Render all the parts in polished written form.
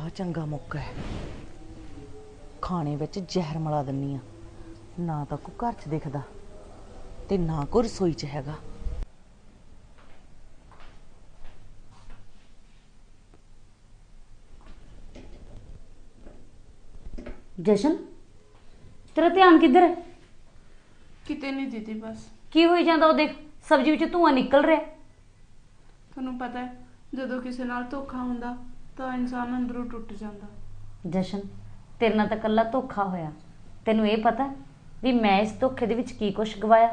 आ चंगा मौका है, खाने विच जहर मिला दिन्नी आ। ना तो कोई घर च दिखदा ते ना कोई रसोई च हैगा। जशन, तेरा ध्यान किधर है? किते नहीं दीदी, बस की होई जांदा? ओ देख, सब्जी विच धुआं निकल रहा। ਤੁਹਾਨੂੰ पता है ਜਦੋਂ ਕਿਸੇ ਨਾਲ ਧੋਖਾ ਹੁੰਦਾ ਤਾਂ ਇਨਸਾਨ ਅੰਦਰੋਂ ਟੁੱਟ ਜਾਂਦਾ। जशन, तेरे नाल तां कल्ला धोखा होया, तैनूं ये पता भी मैं इस धोखे दे विच की कुछ गवाया?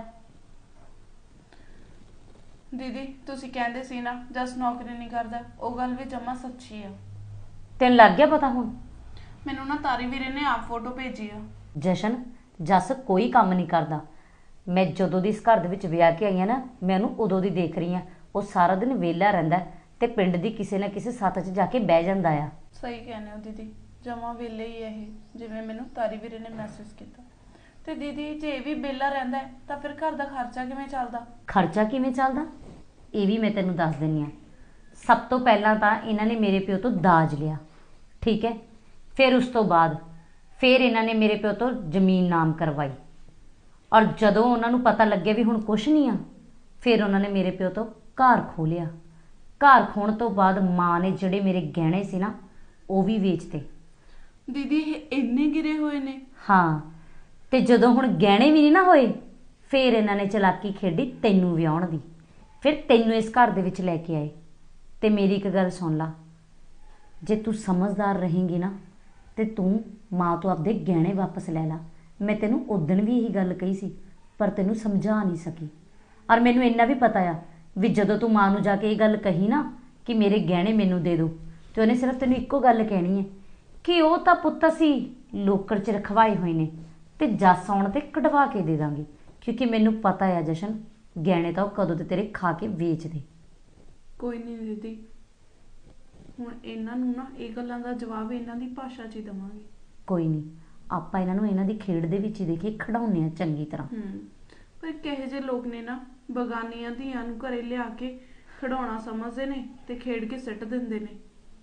दीदी ਤੁਸੀਂ ਕਹਿੰਦੇ ਸੀ ਨਾ ਜਸ ਨੌਕਰੀ ਨਹੀਂ ਕਰਦਾ, ਉਹ ਗੱਲ ਵੀ ਜਮਾ ਸੱਚੀ ਆ। ਤੈਨੂੰ ਲੱਗ ਗਿਆ ਪਤਾ ਹੁਣ? ਮੈਨੂੰ ਨਾ ਤਾਰੀ ਵੀਰੇ ਨੇ ਆਪ ਫੋਟੋ ਭੇਜੀ ਆ। ਜਸ਼ਨ, ਜਸ ਕੋਈ ਕੰਮ ਨਹੀਂ ਕਰਦਾ। ਮੈਂ ਜਦੋਂ ਦੀ ਇਸ ਘਰ ਦੇ ਵਿੱਚ ਵਿਆਹ ਕੇ ਆਈ ਹਾਂ ਨਾ, ਮੈਂ ਉਹਨੂੰ ਉਦੋਂ ਦੀ ਦੇਖ ਰਹੀ ਹਾਂ। ਉਹ ਸਾਰਾ ਦਿਨ ਵਿਹਲਾ ਰਹਿੰਦਾ ਤੇ ਪਿੰਡ ਦੀ ਕਿਸੇ ਨਾ ਕਿਸੇ ਸੱਥ 'ਚ ਜਾ ਕੇ ਬਹਿ ਜਾਂਦਾ ਆ। ਸਹੀ ਕਹਿੰਦੇ ਹੋ ਦੀਦੀ, ਜਮਾ ਵਿਹਲੇ ਹੀ ਇਹ, ਜਿਵੇਂ ਮੈਨੂੰ ਤਾਰੀ ਵੀਰੇ ਨੇ ਮੈਸੇਜ ਕੀਤਾ। ਤੇ ਦੀਦੀ ਜੇ ਇਹ ਵੀ ਵਿਹਲਾ ਰਹਿੰਦਾ ਹੈ ਤਾਂ ਫਿਰ ਘਰ ਦਾ ਖਰਚਾ ਕਿਵੇਂ ਚੱਲਦਾ? ਖਰਚਾ ਕਿਵੇਂ ਚੱਲਦਾ ਇਹ ਵੀ ਮੈਂ ਤੈਨੂੰ ਦੱਸ ਦਿੰਦੀ ਹਾਂ। ਸਭ ਤੋਂ ਪਹਿਲਾਂ ਤਾਂ ਇਹਨਾਂ ਨੇ ਮੇਰੇ ਪਿਓ ਤੋਂ ਦਾਜ ਲਿਆ, ਠੀਕ ਹੈ। ਫਿਰ ਉਸ ਤੋਂ ਬਾਅਦ ਫਿਰ ਇਹਨਾਂ ਨੇ ਮੇਰੇ ਪਿਓ ਤੋਂ ਜ਼ਮੀਨ ਨਾਮ ਕਰਵਾਈ। ਔਰ ਜਦੋਂ ਉਹਨਾਂ ਨੂੰ ਪਤਾ ਲੱਗਿਆ ਵੀ ਹੁਣ ਕੁਛ ਨਹੀਂ ਆ, ਫਿਰ ਉਹਨਾਂ ਨੇ ਮੇਰੇ ਪਿਓ ਤੋਂ ਘਰ ਖੋਹ ਲਿਆ। ਘਰ ਖੋਣ ਤੋਂ ਬਾਅਦ ਮਾਂ ਨੇ ਜਿਹੜੇ ਮੇਰੇ ਗਹਿਣੇ ਸੀ ਨਾ, ਉਹ ਵੀ ਵੇਚਤੇ। ਦੀਦੀ ਇਹ ਇੰਨੇ ਗਿਰੇ ਹੋਏ ਨੇ? ਹਾਂ, ਤੇ ਜਦੋਂ ਹੁਣ ਗਹਿਣੇ ਵੀ ਨਹੀਂ ਨਾ ਹੋਏ, ਫਿਰ ਇਹਨਾਂ ਨੇ ਚਲਾਕੀ ਖੇਡੀ ਤੈਨੂੰ ਵਿਆਹੁਣ ਦੀ। ਫਿਰ ਤੈਨੂੰ ਇਸ ਘਰ ਦੇ ਵਿੱਚ ਲੈ ਕੇ ਆਏ। ਤੇ ਮੇਰੀ ਇੱਕ ਗੱਲ ਸੁਣ ਲਾ, ਜੇ ਤੂੰ ਸਮਝਦਾਰ ਰਹੇਂਗੀ ਨਾ ਤੇ ਤੂੰ ਮਾਂ ਤੋਂ ਆਪਦੇ ਗਹਿਣੇ ਵਾਪਸ ਲੈ ਲਾ। ਮੈਂ ਤੈਨੂੰ ਉਦਣ ਵੀ ਇਹੀ ਗੱਲ ਕਹੀ ਸੀ, ਪਰ ਤੈਨੂੰ ਸਮਝਾ ਨਹੀਂ ਸਕੀ। ਔਰ ਮੈਨੂੰ ਇੰਨਾ ਵੀ ਪਤਾ ਆ ਵੀ ਜਦੋਂ ਤੂੰ ਮਾਂ ਨੂੰ ਜਾ ਕੇ ਇਹ ਗੱਲ ਕਹੀ ਨਾ ਕਿ ਮੇਰੇ ਗਹਿਣੇ ਮੈਨੂੰ ਦੇ ਦਿਓ, ਤੇ ਉਹਨੇ ਸਿਰਫ ਤੈਨੂੰ ਇੱਕੋ ਗੱਲ ਕਹਿਣੀ ਹੈ ਕਿ ਉਹ ਤਾਂ ਪੁੱਤ ਅਸੀਂ ਲੋਕਰ 'ਚ ਰਖਵਾਏ ਹੋਏ ਨੇ ਤੇ ਜੱਸ ਆਉਣ ਤੇ ਕਢਵਾ ਕੇ ਦੇ ਦਾਂਗੇ। ਕਿਉਂਕਿ ਮੈਨੂੰ ਪਤਾ ਆ ਜਸ਼ਨ, ਗਹਿਣੇ ਤਾਂ ਉਹ ਕਦੋਂ ਤੇ ਤੇਰੇ ਖਾ ਕੇ ਵੇਚ ਦੇ। ਕੋਈ ਨਹੀਂ ਦੀਦੀ, ਹੁਣ ਇਹਨਾਂ ਨੂੰ ਨਾ ਇਹ ਗੱਲਾਂ ਦਾ ਜਵਾਬ ਇਹਨਾਂ ਦੀ ਭਾਸ਼ਾ 'ਚ ਹੀ ਦੇਵਾਂਗੇ। ਕੋਈ ਨਹੀਂ, ਆਪਾਂ ਇਹਨਾਂ ਨੂੰ ਇਹਨਾਂ ਦੀ ਖੇਡ ਦੇ ਵਿੱਚ ਹੀ ਦੇਖੀ ਖਿਡਾਉਂਦੇ ਆ ਚੰਗੀ ਤਰ੍ਹਾਂ। ਪਰ ਕਿਹੋ ਜਿਹੇ ਲੋਕ ਨੇ ਨਾ, ਬਗਾਨੀਆਂ ਧੀਆਂ ਨੂੰ ਘਰੇ ਲਿਆ ਕੇ ਖਿਡੌਣਾ ਸਮਝਦੇ ਨੇ ਤੇ ਖੇਡ ਕੇ ਸਿੱਟ ਦਿੰਦੇ ਨੇ।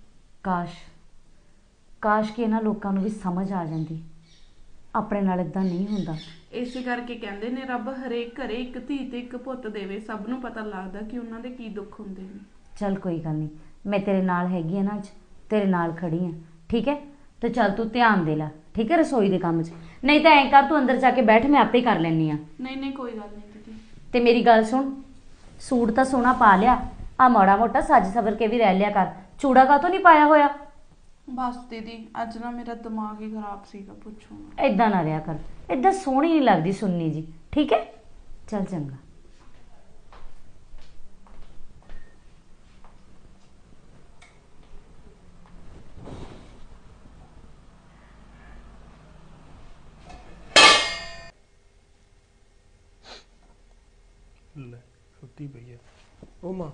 ਕਾਸ਼ ਕਿ ਇਹਨਾਂ ਲੋਕਾਂ ਨੂੰ ਵੀ ਸਮਝ ਆ ਜਾਂਦੀ, ਆਪਣੇ ਨਾਲ ਇਦਾਂ ਨਹੀਂ ਹੁੰਦਾ। ਇਸੇ ਕਰਕੇ ਕਹਿੰਦੇ ਨੇ ਰੱਬ ਹਰੇਕ ਘਰੇ ਇੱਕ ਧੀ ਤੇ ਇੱਕ ਪੁੱਤ ਦੇਵੇ, ਸਭ ਨੂੰ ਪਤਾ ਲੱਗਦਾ ਕਿ ਉਹਨਾਂ ਦੇ ਕੀ ਦੁੱਖ ਹੁੰਦੇ ਨੇ। ਚੱਲ ਕੋਈ ਗੱਲ ਨਹੀਂ, ਮੈਂ ਤੇਰੇ ਨਾਲ ਹੈਗੀ ਆ ਨਾ, ਅੱਜ ਤੇਰੇ ਨਾਲ ਖੜੀ ਆ, ਠੀਕ ਹੈ। ਤੇ ਚੱਲ ਤੂੰ ਧਿਆਨ ਦੇ ਲੈ, ਠੀਕ ਹੈ, ਰਸੋਈ ਦੇ ਕੰਮ 'ਚ। ਨਹੀਂ ਤਾਂ ਐਂ ਕਰ, ਤੂੰ ਅੰਦਰ ਜਾ ਕੇ ਬੈਠ, ਮੈਂ ਆਪੇ ਕਰ ਲੈਂਦੀ ਆ। ਨਹੀਂ ਕੋਈ ਗੱਲ ਨਹੀਂ ਦੀਦੀ। ਤੇ ਮੇਰੀ ਗੱਲ ਸੁਣ, ਸੂਟ ਤਾਂ ਸੋਹਣਾ ਪਾ ਲਿਆ, ਆ ਮਾੜਾ ਮੋਟਾ ਸੱਜ ਸਵਰ ਕੇ ਵੀ ਰਹਿ ਲਿਆ ਕਰ। ਚੂੜਾ ਕਾਹਤੋਂ ਨਹੀਂ ਪਾਇਆ ਹੋਇਆ? ਬਸ ਦੀਦੀ ਅੱਜ ਨਾ ਮੇਰਾ ਦਿਮਾਗ ਹੀ ਖਰਾਬ ਸੀਗਾ, ਪੁੱਛੋ ਨਾ। ਏਦਾਂ ਨਾ ਰਿਹਾ ਕਰ, ਏਦਾਂ ਸੋਹਣੀ ਨਹੀਂ ਲੱਗਦੀ ਸੁੰਨੀ ਜੀ, ਠੀਕ ਹੈ। ਚੱਲ ਚੰਗਾ। ਲੈ ਸੁੱਤੀ ਪਈ ਆ ਉਹ ਮਾਂ।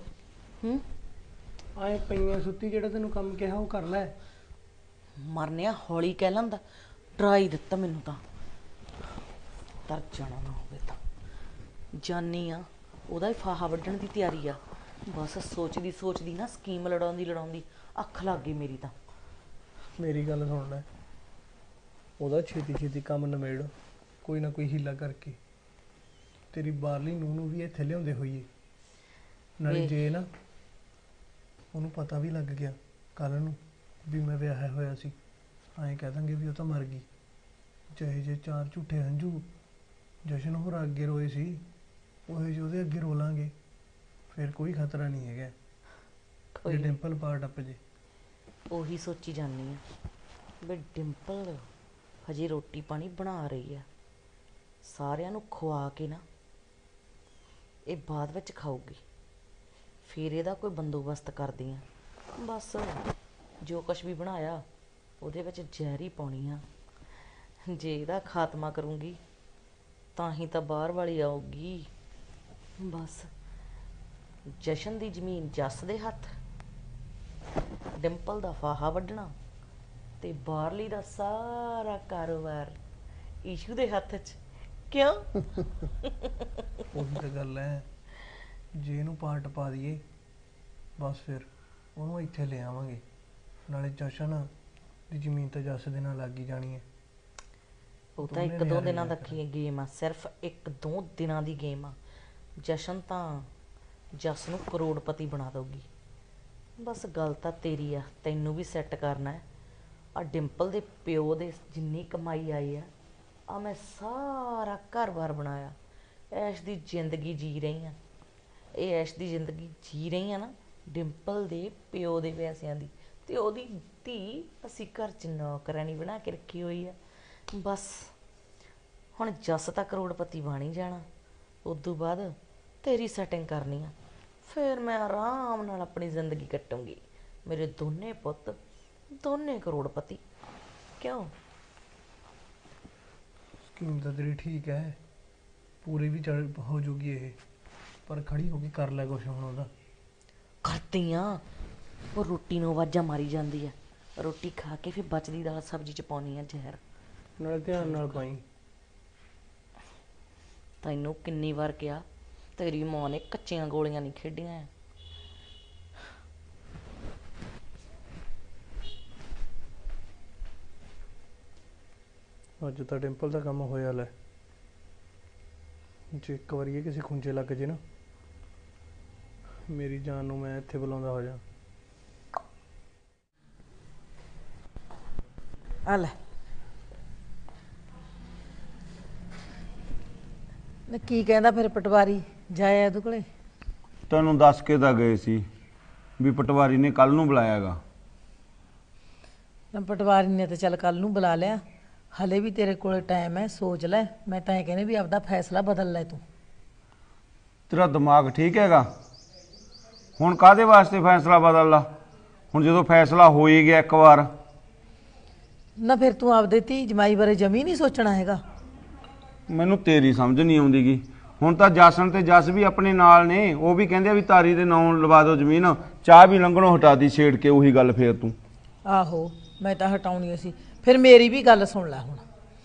ਆਏ ਪਈਆਂ ਸੁੱਤੀ, ਜਿਹੜਾ ਤੈਨੂੰ ਕੰਮ ਕਿਹਾ ਉਹ ਕਰ ਲੈ। ਮਰਨਿਆ ਹੌਲੀ ਕਹਿ ਲੈਂਦਾ, ਡਰਾ ਹੀ ਦਿੱਤਾ ਮੈਨੂੰ ਤਾਂ। ਤਰ ਜਾਣਾ ਨਾ ਹੋਵੇ ਤਾਂ ਜਾਨੀ ਆ, ਉਹਦਾ ਹੀ ਫਾਹਾ ਵੱਢਣ ਦੀ ਤਿਆਰੀ ਆ। ਬਸ ਸੋਚਦੀ ਨਾ ਸਕੀਮ ਲੜਾਉਂਦੀ ਅੱਖ ਲੱਗ ਗਈ ਮੇਰੀ ਤਾਂ। ਮੇਰੀ ਗੱਲ ਸੁਣ ਲੈ, ਉਹਦਾ ਛੇਤੀ ਕੰਮ ਨਿਬੇੜ, ਕੋਈ ਨਾ ਕੋਈ ਹੀਲਾ ਕਰਕੇ। ਤੇਰੀ ਬਾਹਰਲੀ ਨੂੰਹ ਨੂੰ ਵੀ ਇੱਥੇ ਲਿਆਉਂਦੇ ਹੋਈਏ, ਨਾਲੇ ਜੇ ਨਾ ਉਹਨੂੰ ਪਤਾ ਵੀ ਲੱਗ ਗਿਆ ਕੱਲ ਨੂੰ ਵੀ ਮੈਂ ਵਿਆਹਿਆ ਹੋਇਆ ਸੀ, ਐਂ ਕਹਿ ਦਾਂਗੇ ਵੀ ਉਹ ਤਾਂ ਮਰ ਗਈ। ਚਾਹੇ ਜੇ 4 ਝੂਠੇ ਹੰਝੂ ਜਸ਼ਨ ਹੋਰ ਅੱਗੇ ਰੋਏ ਸੀ, ਉਹ ਜੇ ਉਹਦੇ ਅੱਗੇ ਰੋ ਲਾਂਗੇ, ਫਿਰ ਕੋਈ ਖਤਰਾ ਨਹੀਂ ਹੈਗਾ ਜੇ ਡਿੰਪਲ ਪਾ ਟੱਪ ਜੇ। ਉਹੀ ਸੋਚੀ ਜਾਂਦੀ ਆ ਵੀ ਡਿੰਪਲ ਹਜੇ ਰੋਟੀ ਪਾਣੀ ਬਣਾ ਰਹੀ ਆ, ਸਾਰਿਆਂ ਨੂੰ ਖਵਾ ਕੇ ਨਾ ਇਹ ਬਾਅਦ ਵਿੱਚ ਖਾਊਗੀ, ਫਿਰ ਇਹਦਾ ਕੋਈ ਬੰਦੋਬਸਤ ਕਰਦੀ ਆ। ਬਸ ਜੋ ਕੁਛ ਵੀ ਬਣਾਇਆ ਉਹਦੇ ਵਿੱਚ ਜ਼ਹਿਰ ਹੀ ਪਾਉਣੀ ਆ। ਜੇ ਇਹਦਾ ਖਾਤਮਾ ਕਰੂੰਗੀ ਤਾਂ ਹੀ ਤਾਂ ਬਾਹਰ ਵਾਲੀ ਆਊਗੀ। ਬਸ ਜਸ਼ਨ ਦੀ ਜ਼ਮੀਨ ਜੱਸ ਦੇ ਹੱਥ, ਡਿੰਪਲ ਦਾ ਫਾਹਾ ਵੱਢਣਾ ਤੇ ਬਾਹਰਲੀ ਦਾ ਸਾਰਾ ਕਾਰੋਬਾਰ ਈਸ਼ੂ ਦੇ ਹੱਥ 'ਚ। ਕਿਉਂ? ਉਹੀ ਤਾਂ ਗੱਲ ਹੈ, ਜੇ ਇਹਨੂੰ ਪਾਰਟ ਪਾ ਦਈਏ ਬਸ ਫਿਰ ਉਹਨੂੰ ਇੱਥੇ ਲੈ ਆਵਾਂਗੇ। ਨਾਲੇ ਜਸ਼ਨ ਦੀ ਜ਼ਮੀਨ ਤਾਂ ਜੱਸ ਦੇ ਨਾਲ ਲੱਗ ਹੀ ਜਾਣੀ ਹੈ। ਉਹ ਤਾਂ ਦੋਨੇ ਇੱਕ ਦੋ ਨਿਆਣੇ ਦਿਨਾਂ ਦਾ ਲੱਗ ਗੇਮ ਆ, ਸਿਰਫ ਇੱਕ ਦੋ ਦਿਨਾਂ ਦੀ ਗੇਮ ਆ। ਜਸ਼ਨ ਤਾਂ ਜਸ ਨੂੰ ਕਰੋੜਪਤੀ ਬਣਾ ਦਊਗੀ। ਬਸ ਗੱਲ ਤਾਂ ਤੇਰੀ ਆ, ਤੈਨੂੰ ਵੀ ਸੈੱਟ ਕਰਨਾ ਹੈ। ਆ ਡਿੰਪਲ ਦੇ ਪਿਓ ਦੇ ਜਿੰਨੀ ਕਮਾਈ ਆਈ ਆ, ਆ ਮੈਂ ਸਾਰਾ ਘਰ-ਬਾਰ ਬਣਾਇਆ, ਐਸ਼ ਦੀ ਜ਼ਿੰਦਗੀ ਜੀ ਰਹੀ ਆ। ਇਹ ਐਸ਼ ਦੀ ਜ਼ਿੰਦਗੀ ਜੀ ਰਹੀ ਆ ਨਾ ਡਿੰਪਲ ਦੇ ਪਿਓ ਦੇ ਪੈਸਿਆਂ ਦੀ, ਤੇ ਉਹਦੀ ਧੀ ਅਸੀਂ ਘਰ 'ਚ ਨੌਕਰਾਨੀ ਬਣਾ ਕੇ ਰੱਖੀ ਹੋਈ ਆ। ਬਸ ਹੁਣ ਜੱਸ ਤਾਂ ਕਰੋੜਪਤੀ ਬਣ ਹੀ ਜਾਣਾ, ਉਦੋਂ ਬਾਅਦ ਤੇਰੀ ਸੈਟਿੰਗ ਕਰਨੀ ਆ, ਫਿਰ ਮੈਂ ਆਰਾਮ ਨਾਲ ਆਪਣੀ ਜ਼ਿੰਦਗੀ ਕੱਟੂੰਗੀ। ਮੇਰੇ ਦੋਨੇ ਪੁੱਤ ਦੋਨੇ ਕਰੋੜਪਤੀ। ਕਿਉਂ? ਸਕੀਮ ਤਾਂ ਤੇਰੀ ਠੀਕ ਹੈ, ਪੂਰੀ ਵੀ ਚੜ ਹੋ ਜੂਗੀ ਇਹ, ਪਰ ਖੜੀ ਹੋ ਕੇ ਕਰ ਲੈ ਕੁਛ ਹੁਣ ਉਹਦਾ। ਕਰਦੀ ਆ, ਉਹ ਰੋਟੀ ਨੂੰ ਆਵਾਜ਼ਾਂ ਮਾਰੀ ਜਾਂਦੀ ਆ, ਰੋਟੀ ਖਾ ਕੇ ਫਿਰ ਬਚਦੀ ਦਾਲ ਸਬਜ਼ੀ 'ਚ ਪਾਉਣੀ ਆ ਜ਼ਹਿਰ। ਨਾਲੇ ਧਿਆਨ ਨਾਲ ਪਾਈ। ਤੈਨੂੰ ਕਿੰਨੀ ਵਾਰ ਕਿਹਾ, ਤੇਰੀ ਮਾਂ ਨੇ ਕੱਚੀਆਂ ਗੋਲੀਆਂ ਨਹੀਂ ਖੇਡੀਆਂ ਆ। ਅੱਜ ਤਾਂ ਡਿੰਪਲ ਦਾ ਕੰਮ ਹੋਇਆ ਲੈ, ਜੇ ਇੱਕ ਵਾਰੀ ਇਹ ਕਿਸੇ ਖੁੰਝੇ ਲੱਗ ਜੇ ਨਾ, ਮੇਰੀ ਜਾਨ ਨੂੰ ਮੈਂ ਇੱਥੇ ਬੁਲਾਉਂਦਾ ਹੋ ਜਾ। ਆ ਲੈ ਨਾ, ਕੀ ਕਹਿੰਦਾ ਫਿਰ ਪਟਵਾਰੀ ਜਾਇਆ ਉਹਦੇ ਕੋਲੇ? ਤੈਨੂੰ ਦੱਸ ਕੇ ਤਾਂ ਗਏ ਸੀ ਵੀ ਪਟਵਾਰੀ ਨੇ ਕੱਲ ਨੂੰ ਬੁਲਾਇਆਗਾ। ਨਾ ਪਟਵਾਰੀ ਨੇ ਤਾਂ ਚੱਲ ਕੱਲ ਨੂੰ ਬੁਲਾ ਲਿਆ, ਹਲੇ ਵੀ ਤੇਰੇ ਕੋਲੇ ਟਾਈਮ ਹੈ, ਸੋਚ ਲੈ। ਮੈਂ ਤਾਂ ਇਹ ਕਹਿੰਦੀ ਵੀ ਆਪਦਾ ਫੈਸਲਾ ਬਦਲ ਲੈ ਤੂੰ। ਤੇਰਾ ਦਿਮਾਗ ਠੀਕ ਹੈਗਾ? ਹੁਣ ਕਾਹਦੇ ਵਾਸਤੇ ਫੈਸਲਾ ਬਦਲ ਲਾ? ਹੁਣ ਜਦੋਂ ਫੈਸਲਾ ਹੋ ਹੀ ਗਿਆ ਇੱਕ ਵਾਰ। ਨਾ ਫਿਰ ਤੂੰ ਆਪਦੇ ਧੀ ਜਮਾਈ ਬਾਰੇ ਜਮੀ ਨਹੀਂ ਸੋਚਣਾ ਹੈਗਾ? ਮੈਨੂੰ ਤੇਰੀ ਸਮਝ ਨਹੀਂ ਆਉਂਦੀਗੀ। ਹੁਣ ਤਾਂ ਜਸਨ ਤੇ ਜਸ ਵੀ ਆਪਣੇ ਨਾਲ ਨੇ, ਉਹ ਵੀ ਕਹਿੰਦੇ ਆ ਵੀ ਤਾਰੀ ਦੇ ਨਾਂ ਲਵਾ ਦਿਓ ਜ਼ਮੀਨ। ਚਾਹ ਵੀ ਲੰਘਣੋਂ ਹਟਾ ਦੀ ਛੇੜ ਕੇ ਉਹੀ ਗੱਲ ਫੇਰ ਤੂੰ। ਆਹੋ ਮੈਂ ਤਾਂ ਹਟਾਉਣੀ ਸੀ। ਫਿਰ ਮੇਰੀ ਵੀ ਗੱਲ ਸੁਣ ਲੈ ਹੁਣ,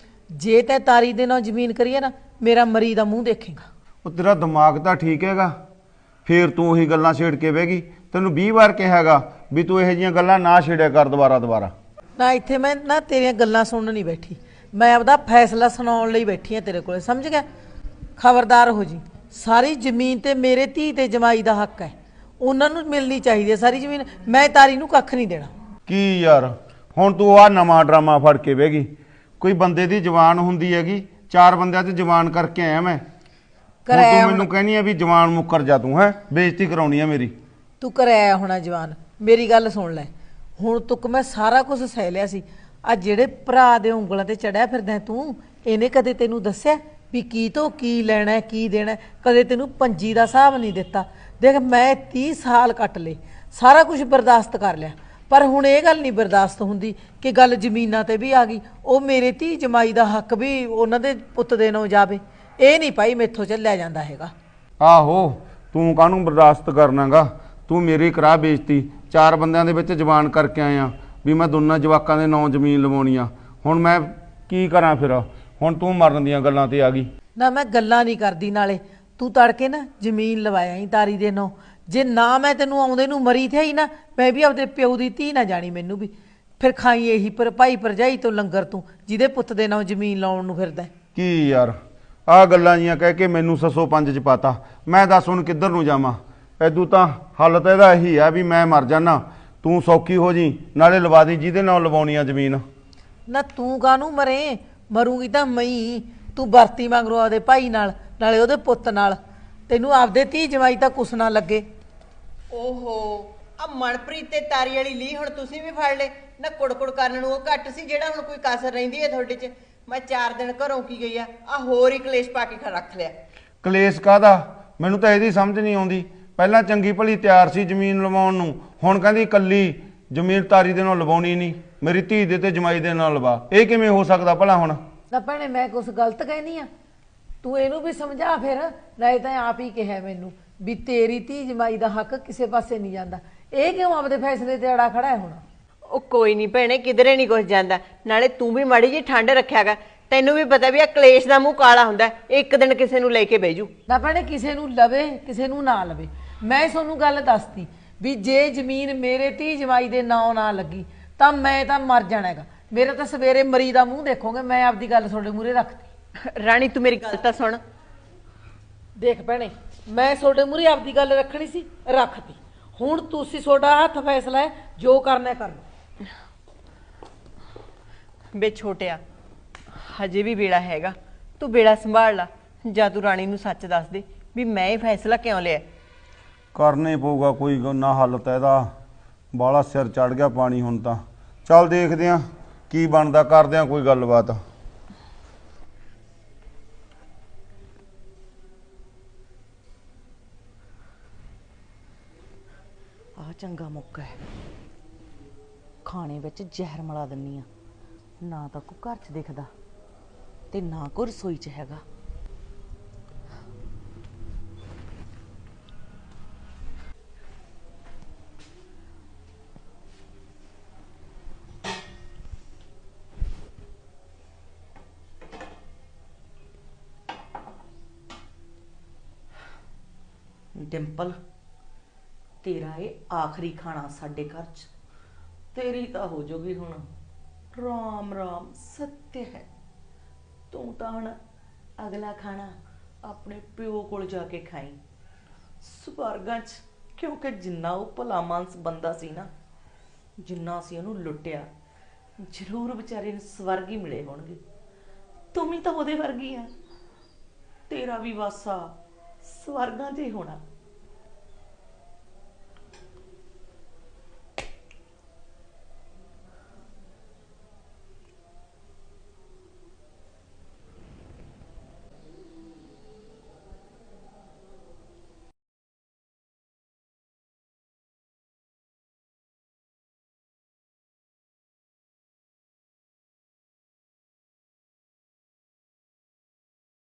ਜੇ ਤੈਂ ਤਾਰੀ ਦੇ ਨਾਲ ਜ਼ਮੀਨ ਕਰੀਏ ਨਾ, ਮੇਰਾ ਮਰੀ ਦਾ ਮੂੰਹ ਦੇਖੇਗਾ। ਉਹ ਤੇਰਾ ਦਿਮਾਗ ਤਾਂ ਠੀਕ ਹੈਗਾ, ਫੇਰ ਤੂੰ ਉਹੀ ਗੱਲਾਂ ਛੇੜ ਕੇ ਬਹਿ ਗਈ। ਤੈਨੂੰ 20 ਵਾਰ ਕਿਹਾ ਹੈਗਾ ਵੀ ਤੂੰ ਇਹੋ ਜਿਹੀਆਂ ਗੱਲਾਂ ਨਾ ਛੇੜਿਆ ਕਰ ਦੁਬਾਰਾ। ਨਾ ਇੱਥੇ ਮੈਂ ਨਾ ਤੇਰੀਆਂ ਗੱਲਾਂ ਸੁਣਨ ਨਹੀਂ ਬੈਠੀ, ਮੈਂ ਆਪਦਾ ਫੈਸਲਾ ਸੁਣਾਉਣ ਲਈ ਬੈਠੀ ਹਾਂ ਤੇਰੇ ਕੋਲੇ, ਸਮਝ ਗਿਆ? ਖਬਰਦਾਰ ਹੋ ਜੀ, ਸਾਰੀ ਜ਼ਮੀਨ ਤੇ ਮੇਰੇ ਧੀ ਤੇ ਜਮਾਈ ਦਾ ਹੱਕ ਹੈ, ਉਹਨਾਂ ਨੂੰ ਮਿਲਣੀ ਚਾਹੀਦੀ ਹੈ ਸਾਰੀ ਜ਼ਮੀਨ। ਮੈਂ ਤਾਰੀ ਨੂੰ ਕੱਖ ਨਹੀਂ ਦੇਣਾ। ਕੀ ਯਾਰ, ਹੁਣ ਤੂੰ ਆਹ ਨਵਾਂ ਡਰਾਮਾ ਫੜ ਕੇ ਬਹਿ ਗਈ। ਕੋਈ ਬੰਦੇ ਦੀ ਜਵਾਨ ਹੁੰਦੀ ਹੈਗੀ, 4 ਬੰਦਿਆਂ ਤੇ ਜਵਾਨ ਕਰਕੇ ਆਇਆ ਮੈਂ। ਹੁਣ ਤੂੰ ਮੈਨੂੰ ਕਹਿਣੀ ਆ ਵੀ ਜਵਾਨ ਮੁੱਕਰ ਜਾ, ਤੂੰ ਹੈ ਬੇਇੱਜ਼ਤੀ ਕਰਾਉਣੀ ਆ ਮੇਰੀ। ਤੂੰ ਕਰਾਇਆ ਹੋਣਾ ਜਵਾਨ। ਮੇਰੀ ਗੱਲ ਸੁਣ ਲੈ, ਹੁਣ ਤੱਕ ਮੈਂ ਸਾਰਾ ਕੁਝ ਸਹਿ ਲਿਆ ਸੀ। ਆ ਜਿਹੜੇ ਭਰਾ ਦੇ ਉਂਗਲਾਂ ਤੇ ਚੜਿਆ ਫਿਰਦਾ ਤੂੰ, ਇਹਨੇ ਕਦੇ ਤੈਨੂੰ ਦੱਸਿਆ ਵੀ ਕੀ ਤੋਂ ਕੀ ਲੈਣਾ ਕੀ ਦੇਣਾ? ਕਦੇ ਤੈਨੂੰ ਪੰਜੀ ਦਾ ਹਿਸਾਬ ਨਹੀਂ ਦਿੱਤਾ। ਦੇਖ ਮੈਂ 30 ਸਾਲ ਕੱਟ ਲਏ, ਸਾਰਾ ਕੁਝ ਬਰਦਾਸ਼ਤ ਕਰ ਲਿਆ, ਪਰ ਹੁਣ ਇਹ ਗੱਲ ਨਹੀਂ ਬਰਦਾਸ਼ਤ ਹੁੰਦੀ ਕਿ ਗੱਲ ਜ਼ਮੀਨਾਂ ਤੇ ਵੀ ਆ ਗਈ। ਉਹ ਮੇਰੇ ਧੀ ਜਮਾਈ ਦਾ ਹੱਕ ਵੀ ਉਹਨਾਂ ਦੇ ਪੁੱਤ ਦੇ ਨਾਂ ਜਾਵੇ, ਇਹ ਨਹੀਂ ਭਾਈ ਮੈਥੋਂ ਚੱਲਿਆ ਜਾਂਦਾ ਹੈਗਾ। ਆਹੋ, ਤੂੰ ਕਾਹਨੂੰ ਬਰਦਾਸ਼ਤ ਕਰਨਾਗਾ? ਤੂੰ ਮੇਰੀ ਕਰਾ ਬੇਇੱਜ਼ਤੀ। 4 ਬੰਦਿਆਂ ਦੇ ਵਿੱਚ ਜਵਾਨ ਕਰਕੇ ਆਇਆ ਵੀ ਮੈਂ ਦੋਨਾਂ ਜਵਾਕਾਂ ਦੇ ਨਾਂ ਜ਼ਮੀਨ ਲਵਾਉਣੀ ਆ। ਹੁਣ ਮੈਂ ਕੀ ਕਰਾਂ ਫਿਰ? ਹੁਣ ਤੂੰ ਮਰਨ ਦੀਆਂ ਗੱਲਾਂ ਤੇ ਆ ਗਈ। ਨਾ ਮੈਂ ਗੱਲਾਂ ਨਹੀਂ ਕਰਦੀ, ਨਾਲੇ ਤੂੰ ਤੜਕੇ ਨਾ ਜ਼ਮੀਨ ਲਵਾਇਆ ਹੀ ਤਾਰੀ ਦੇ ਨਾਂ। ਜੇ ਨਾ ਮੈਂ ਤੈਨੂੰ ਆਉਂਦੇ ਨੂੰ ਮਰੀ ਥੀ ਨਾ, ਮੈਂ ਵੀ ਆਪਦੇ ਪਿਓ ਦੀ ਧੀ ਨਾ ਜਾਣੀ ਮੈਨੂੰ ਵੀ। ਫਿਰ ਖਾਈ ਇਹੀ ਪਰ ਭਾਈ ਭਰਜਾਈ ਤੋਂ ਲੰਗਰ ਤੂੰ, ਜਿਹਦੇ ਪੁੱਤ ਦੇ ਨਾਂ ਜ਼ਮੀਨ ਲਾਉਣ ਨੂੰ ਫਿਰਦਾ। ਕੀ ਯਾਰ, ਆਹ ਗੱਲਾਂ ਜੀਆਂ ਕਹਿ ਕੇ ਮੈਨੂੰ 605 ਚ ਪਾਤਾ। ਮੈਂ ਦੱਸ ਹੁਣ ਕਿੱਧਰ ਨੂੰ ਜਾਵਾਂ? ਐਦੂ ਤਾਂ ਹੱਲ ਤਾਂ ਇਹਦਾ ਇਹੀ ਆ ਵੀ ਮੈਂ ਮਰ ਜਾਣਾ, ਤੂੰ ਸੌਖੀ ਹੋ ਜੀ, ਨਾਲੇ ਲਵਾ ਦੀ ਜਿਹਦੇ ਨਾਲ ਲਵਾਉਣੀ ਆ ਜ਼ਮੀਨ। ਨਾ ਤੂੰ ਕਾਹਨੂੰ ਮਰੇ? ਮਰੂਗੀ ਤਾਂ ਮਈ। ਤੂੰ ਵਰਤੀ ਮੰਗਰੋ ਆਪਦੇ ਭਾਈ ਨਾਲ, ਨਾਲੇ ਉਹਦੇ ਪੁੱਤ ਨਾਲ। ਤੈਨੂੰ ਆਪਦੇ ਧੀ ਜਵਾਈ ਤਾਂ ਕੁਛ ਨਾ ਲੱਗੇ। ਓਹੋ, ਆ ਮਨਪ੍ਰੀਤ ਤੇ ਤਾਰੀ ਵਾਲੀ ਲੀ ਹੁਣ ਤੁਸੀਂ ਵੀ ਫੜ ਲੈ ਨਾ। ਕੁੜਕੁੜ ਕਰਨ ਨੂੰ ਉਹ ਘੱਟ ਸੀ, ਜਿਹੜਾ ਹੁਣ ਕੋਈ ਕਸਰ ਰਹਿੰਦੀ ਹੈ ਤੁਹਾਡੇ 'ਚ। ਮੈਂ 4 ਦਿਨ ਘਰੋਂ ਕੀ ਗਈ ਆ ਹੋਰ ਹੀ ਕਲੇਸ਼ ਪਾ ਕੇ ਰੱਖ ਲਿਆ। ਕਲੇਸ਼ ਕਾਹਦਾ? ਮੈਨੂੰ ਤਾਂ ਇਹਦੀ ਸਮਝ ਨਹੀਂ ਆਉਂਦੀ। ਪਹਿਲਾਂ ਚੰਗੀ ਭਲੀ ਤਿਆਰ ਸੀ ਜ਼ਮੀਨ ਲਵਾਉਣ ਨੂੰ, ਹੁਣ ਕਹਿੰਦੀ ਇਕੱਲੀ ਜ਼ਮੀਨ ਤਾਰੀ ਦੇ ਨਾਲ ਲਵਾਉਣੀ ਨਹੀਂ, ਮੇਰੀ ਧੀ ਦੇ ਤੇ ਜਮਾਈ ਦੇ ਨਾਲ ਲਵਾ। ਇਹ ਕਿਵੇਂ ਹੋ ਸਕਦਾ ਭਲਾ? ਹੁਣ ਨਾ ਭੈਣੇ ਮੈਂ ਕੁਛ ਗਲਤ ਕਹਿਨੀ ਆ? ਤੂੰ ਇਹਨੂੰ ਵੀ ਸਮਝਾ ਫਿਰ। ਨਹੀਂ ਤਾਂ ਆਪ ਹੀ ਕਿਹਾ ਮੈਨੂੰ ਵੀ ਤੇਰੀ ਧੀ ਜਮਾਈ ਦਾ ਹੱਕ ਕਿਸੇ ਪਾਸੇ ਨਹੀਂ ਜਾਂਦਾ। ਇਹ ਕਿਉਂ ਆਪਦੇ ਫੈਸਲੇ ਤੇ ਅੜਾ ਖੜਾ ਹੈ ਹੁਣ? ਉਹ ਕੋਈ ਨਹੀਂ ਭੈਣੇ, ਕਿਧਰੇ ਨਹੀਂ ਕੁਝ ਜਾਂਦਾ। ਨਾਲੇ ਤੂੰ ਵੀ ਮਾੜੀ ਜੀ ਠੰਡ ਰੱਖਿਆਗਾ। ਤੈਨੂੰ ਵੀ ਪਤਾ ਵੀ ਆ ਕਲੇਸ਼ ਦਾ ਮੂੰਹ ਕਾਲਾ ਹੁੰਦਾ, ਇੱਕ ਦਿਨ ਕਿਸੇ ਨੂੰ ਲੈ ਕੇ ਬਹਿ ਜੂ। ਨਾ ਭੈਣੇ ਕਿਸੇ ਨੂੰ ਲਵੇ ਕਿਸੇ ਨੂੰ ਨਾ ਲਵੇ, ਮੈਂ ਤੁਹਾਨੂੰ ਗੱਲ ਦੱਸਤੀ ਵੀ ਜੇ ਜ਼ਮੀਨ ਮੇਰੇ ਧੀ ਜਮਾਈ ਦੇ ਨਾਂ ਨਾ ਲੱਗੀ ਤਾਂ ਮੈਂ ਤਾਂ ਮਰ ਜਾਣਾ ਹੈਗਾ। ਮੇਰੇ ਤਾਂ ਸਵੇਰੇ ਮਰੀ ਦਾ ਮੂੰਹ ਦੇਖੋਗੇ। ਮੈਂ ਆਪਦੀ ਗੱਲ ਤੁਹਾਡੇ ਮੂਹਰੇ ਰੱਖਤੀ। ਰਾਣੀ ਤੂੰ ਮੇਰੀ ਗੱਲ ਤਾਂ ਸੁਣ। ਦੇਖ ਭੈਣੇ, ਮੈਂ ਤੁਹਾਡੇ ਮੂਹਰੇ ਆਪਦੀ ਗੱਲ ਰੱਖਣੀ ਸੀ, ਰੱਖਤੀ। ਹੁਣ ਤੁਸੀਂ ਤੁਹਾਡਾ ਹੱਥ ਫੈਸਲਾ ਹੈ, ਜੋ ਕਰਨਾ ਕਰ ਲਓ। ਬੇ ਛੋਟਿਆ, ਹਜੇ ਵੀ ਵੇਲਾ ਹੈਗਾ, ਤੂੰ ਵੇਲਾ ਸੰਭਾਲ ਲਾ। ਜਾਂ ਤੂੰ ਰਾਣੀ ਨੂੰ ਸੱਚ ਦੱਸ ਦੇ ਵੀ ਮੈਂ ਇਹ ਫੈਸਲਾ ਕਿਉਂ ਲਿਆ। ਕਰਨਾ ਹੀ ਪਊਗਾ, ਕੋਈ ਨਾ ਹੱਲ ਤਾਂ ਇਹਦਾ। ਬਾਹਲਾ ਸਿਰ ਚੜ ਗਿਆ ਪਾਣੀ ਹੁਣ ਤਾਂ। ਚੱਲ ਦੇਖਦੇ ਆ ਕੀ ਬਣਦਾ, ਕਰਦੇ ਆ ਕੋਈ ਗੱਲਬਾਤ। ਆਹ ਚੰਗਾ ਮੌਕਾ ਹੈ, ਖਾਣੇ ਵਿੱਚ ਜ਼ਹਿਰ ਮਿਲਾ ਦਿੰਨੀ ਆ। ਨਾ ਤਾਂ ਕੋਈ ਘਰ 'ਚ ਦਿਖਦਾ ਤੇ ਨਾ ਕੋਈ ਰਸੋਈ 'ਚ ਹੈਗਾ। ਡਿੰਪਲ, ਤੇਰਾ ਇਹ ਆਖਰੀ ਖਾਣਾ ਸਾਡੇ ਘਰ 'ਚ। ਤੇਰੀ ਤਾਂ ਹੋ ਜਾਊਗੀ ਹੁਣ ਰਾਮ ਰਾਮ ਸੱਤਿਆ ਹੈ। ਤੂੰ ਤਾਂ ਹੁਣ ਅਗਲਾ ਖਾਣਾ ਆਪਣੇ ਪਿਓ ਕੋਲ ਜਾ ਕੇ ਖਾਈ ਸਵਰਗਾਂ 'ਚ। ਕਿਉਂਕਿ ਜਿੰਨਾ ਉਹ ਭਲਾ ਮਾਨਸ ਬੰਦਾ ਸੀ ਨਾ, ਜਿੰਨਾ ਅਸੀਂ ਉਹਨੂੰ ਲੁੱਟਿਆ, ਜ਼ਰੂਰ ਵਿਚਾਰੇ ਨੂੰ ਸਵਰਗ ਹੀ ਮਿਲੇ ਹੋਣਗੇ। ਤੂੰ ਵੀ ਤਾਂ ਉਹਦੇ ਵਰਗੀ ਆ। ਤੇਰਾ ਵੀ ਵਾਸਾ ਸਵਰਗਾਂ 'ਚ ਹੀ ਹੋਣਾ।